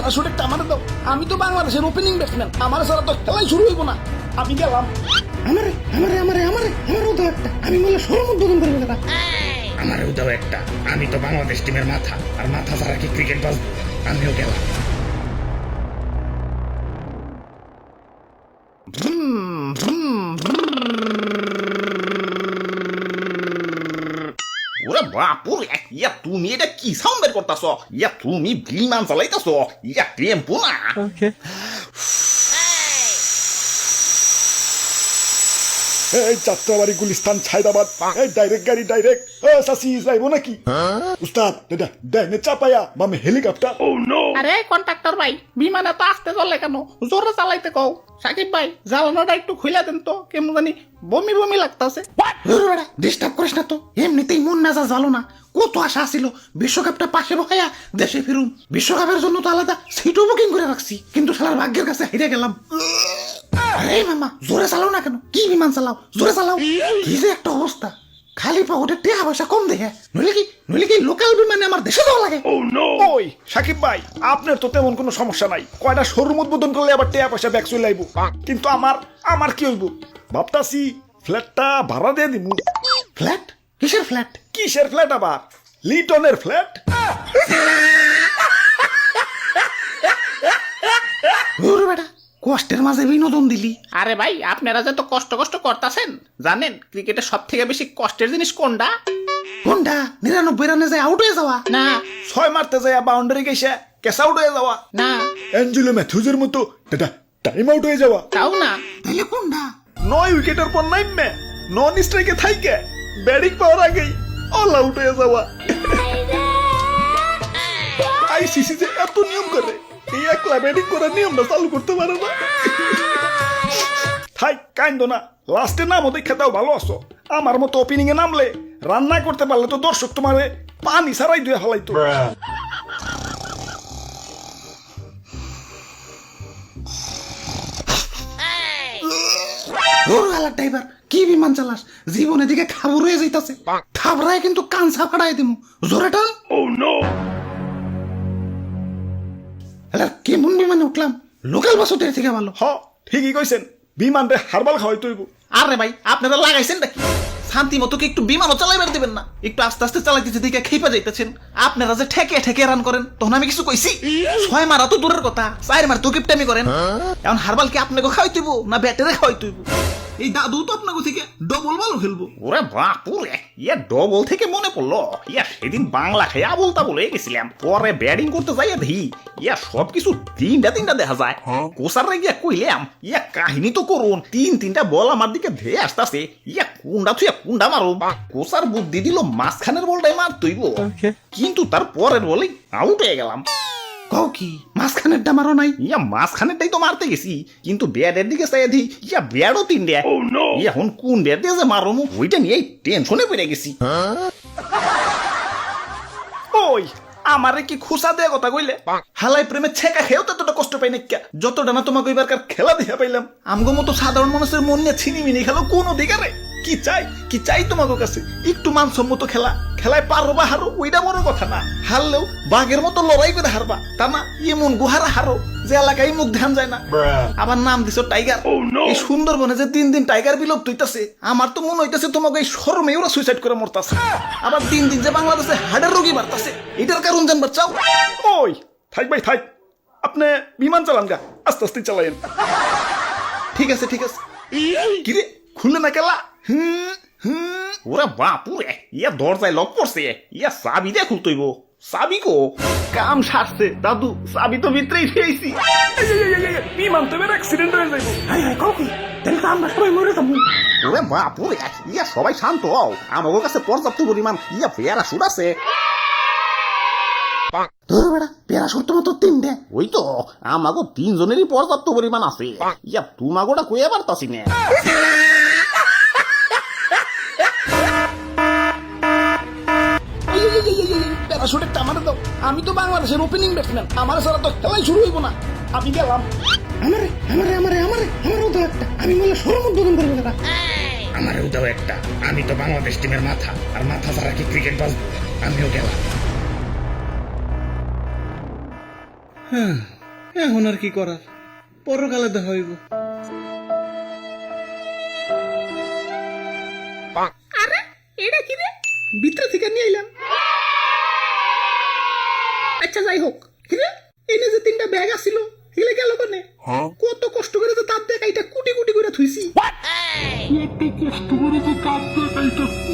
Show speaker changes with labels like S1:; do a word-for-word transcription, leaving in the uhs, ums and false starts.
S1: Parachute একটা আমার দাও, আমি তো বাংলাদেশের ওপেনিং ব্যাটসম্যান, আমার সারা তো খেলাই শুরু হইব না, আমি গেলাম।
S2: আমারে আমারে আমারে আমারে আমারও দাও একটা, আমি বলে সরম উদ্বোধন করবো দাদা।
S3: আমারও দাও একটা, আমি তো বাংলাদেশ টিমের মাথা, আর মাথা ছাড়া কি ক্রিকেট বাজবো? আমিও গেলাম।
S4: ওরে বাপুরে, ইয়া তুমি এটা কি সাউন্ড বের করতেছ? ইয়া তুমি বিমান চালাইতেছ? ইয়া টেম্পো না?
S1: এই যাত্রাবাড়ি গুলিস্তান ছাইদাবাদ, এই ডাইরেক্ট গাড়ি ডাইরেক্ট। সাসি যাইবো নাকি? উস্তাদ দাদা ডাইনে চাপায়া মামে হেলিকপ্টার।
S5: আরে কন্ট্রাক্টর ভাই, বিমানে তো আসতে চলে কেন? জোরে চালাইতে কও। সাকিব ভাই, জ্বালানোটা একটু খুলে দেন তো, কেমন জানি বমি বমি লাগতাছে।
S2: ডিস্টার্ব করিস না তো, এমনিতেই মন মেজাজ ভালো না। কত আশা ছিল বিশ্বকাপটা পাশে বসাইয়া দেশে ফিরুন, বিশ্বকাপের জন্য তো আলাদা সিটও বুকিং করে রাখছি, কিন্তু শালার ভাগ্যের কাছে হেরে গেলাম। আরে মামা জোরে চালাও না কেন? কি বিমান চালাও, জোরে চালাও। কি যে একটা অবস্থা, খালি পকেটে টাকা পয়সা কম দেখে, নইলে কি নইলে কি লোকাল বিমানে আমার দেশে যাওয়া লাগে।
S1: ওই সাকিব ভাই, আপনার তো তেমন কোনো সমস্যা নাই, কয়টা শোরুম উদ্বোধন করলে আবার টাকা পয়সা ব্যাক চলে আইব, কিন্তু আমার আমার কি হইব? ভাবতাছি ফ্ল্যাটটা ভাড়া দিয়ে দিমু।
S2: ফ্ল্যাট? কিসের ফ্ল্যাট?
S1: কিসের ফ্ল্যাট আবার? লিটনের ফ্ল্যাট।
S2: ওরে বেটা, কষ্টের মাঝে বিনোদন দিলি।
S5: আরে ভাই, আপনারা যে তো কষ্ট কষ্ট করতেছেন, জানেন ক্রিকেটের সব থেকে বেশি কষ্টের জিনিস কোনটা?
S2: কোনটা? নিরানব্বই রানে যায় আউট হয়ে যাওয়া?
S5: না
S1: ছয় মারতে যায় বাউন্ডারি গেছে ক্যাচ আউট হয়ে যাওয়া।
S5: না,
S1: অ্যাঞ্জেলো ম্যাথিউজের মতো দাদা টাইম আউট হয়ে যাওয়া।
S5: তাও না।
S2: তাহলে কোনটা?
S1: নয় উইকেটের পর নাইমে নন স্ট্রাইকে থাইকে ব্যাটিং পাওয়ার আগেই অল আউট হয়ে যাওয়া। আইসিসি যে এত নিয়ম করে, এই একলা ব্যাটিং করার নিয়মটা চালু করতে পারে না। থাই কাইন্দ না, লাস্টে নামও দেখে দাও ভালো আছো। আমার মতো ওপেনিং এ নামলে রান্না করতে পারলে তো দর্শক তোমারে পানি ছাড়াই দুয়ে হালাইতো।
S2: ড্রাইভার কি বিমান চালাস? জীবনে দিকে খাবর হয়ে যাইতাছে, থাবরায় কিন্তু কানসা ফাড়াই দিমু। জোরে টান। কেমন বিমানে উঠলাম? লোকাল বাসের থেকে ভালো।
S1: হ ঠিকই কইছেন, বিমান রে হারবাল খাওয়াই তৈব।
S5: আরে ভাই, আপনারা লাগাইছেন নাকি? শান্তি মতো কি একটু বিমানও চালাইবার দিবেন না? একটু আস্তে আস্তে চালাইতেছে দিকে খেপে যাইতেছেন। আপনারা যে ঠেকে ঠেকে রান করেন, তখন আমি কিছু কইছি? ছয় মারা তো দূরের কথা, চার মার তো কিপটামি করেন। এখন হারবাল কি আপনাকে খাওয়াই তুইব না ব্যাটারে খাওয়াই তুইব? এই দাদু তো আপনাকে থেকে ডবল বলও খেলবো।
S4: ওরে বাপুরে, ইয়া ডবল থেকে মনে পড়লো, ইয়া সেদিন বাংলা খেয়ে আবল তাবল হয়ে গেছিলাম, পরে ব্যাটিং করতে যাই দেখি ইয়া সবকিছু তিনটা তিনটা দেখা যায়। কোসারে গিয়া কইলাম ইয়া কাহিনী তো করুন, তিন তিনটা বল আমার দিকে ধেয়ে আসতেছে, ইয়া কুন্ডা থুয়া কুন্ডা মারো। কোসার বুদ্ধি দিল মাঝখানের বলটাই মার তুইব, কিন্তু তার পরের বলেই আউট হয়ে গেলাম।
S2: কও কি মাঝখানের ডামারও নাই?
S4: ইয়া মাঝখানেরটাই তো মারতে গেছি, কিন্তু ব্যাটের দিকে চাই দি ইয়া ব্যাটও তিনটে। এখন কোন ব্যাট দিয়ে যে মারো ওইটা নিয়ে টেনশনে পড়ে গেছি।
S1: ওই আমারে কি খুসা দেয়া কথা কইলে? হালাই প্রেমে ছেকা খেয়েও তো এতটা কষ্ট পাই না, যতটা না তোমাকে এবারকার খেলা দেখা পাইলাম। আমগো মতো সাধারণ মানুষের মন নিয়ে ছিনিমিনি খেলো কোন অধিকারে? কি চাই কি চাই তোমাকে কাছে? একটু মানসম্মত খেলা, খেলায় পারো বা হারো ওইটা বড় কথা না, হারলেও বাঘের মতো লড়াই করে হারবা, তা না এমন গুহারা হারো যে এলাকায় মুখ ধ্যান যায় না। আবার নাম দিছো টাইগার। এই সুন্দরবনে যে দিন দিন টাইগার বিলুপ্ত হইতাছে, আমার তো মনে হইতাছে তোমাকে এই শরমে ওরা সুইসাইড করে মরতাছে। আবার দিন দিন যে বাংলাদেশে হার্টের রোগী বাড়তাছে, এটার কারণ জানবার চাও? ওই থাক ভাই থাক, আপনি বিমান চালান গা, আস্তে আস্তে চালাইন। ঠিক আছে ঠিক আছে। কিরে খুললে না কেলা? হুম হুম।
S4: ওরে বাপুরে, ইয়া দরজায় লক করছে, ইয়া চাবি দিয়ে খুলতইব। চাবি কো?
S1: কাম সারছে দাদু, চাবি তো ভিতরেই ফেয়েছি। বিমান তো এবার অ্যাক্সিডেন্ট হয়ে যাইব।
S2: হাই হাই কও কি? তাহলে তো আমরা সবাই মরে যাবো।
S4: ওরে বাপুরে, ইয়া সবাই শান্ত হও, আমার কাছে পর্যাপ্ত পরিমাণ ইয়া প্যারাশুট আছে।
S2: ধর বেড়া, প্যারাশুট তো মাত্র তিনটে।
S4: ওই তো আমাগো তিনজনেরই পর্যাপ্ত পরিমাণ আছে, ইয়া তোমাগোটা কইয়া পারতাছি না।
S1: প্যারাশুট একটা আমার দাও, আমি তো বাংলাদেশের ওপেনিং ব্যাটসম্যান, আমার সারা তো খেলাই শুরু হইব না, আমি গেলাম।
S2: আমারে আমারে আমারে আমারে আমারও দাও একটা, আমি বলে সরম উদ্বোধন করবো দাদা।
S3: আমারও দাও একটা, আমি তো বাংলাদেশ টিমের মাথা, আর মাথা ছাড়া কি ক্রিকেট বাজবো? আমিও গেলাম।
S5: এখন আর কি করার, পরকালে দেখা হইব।
S2: আরে এটা কি রে, ভিতরে থেকে নিয়ে এলাম। আচ্ছা যাই হোক, কিরে এনে যে তিনটা ব্যাগ আছিল এগুলো গেল কোনে? কত কষ্ট করে তো তার দেখ এটা কুটি কুটি করে থুইছি।
S6: কত কষ্ট করে তো তার দেখাইটা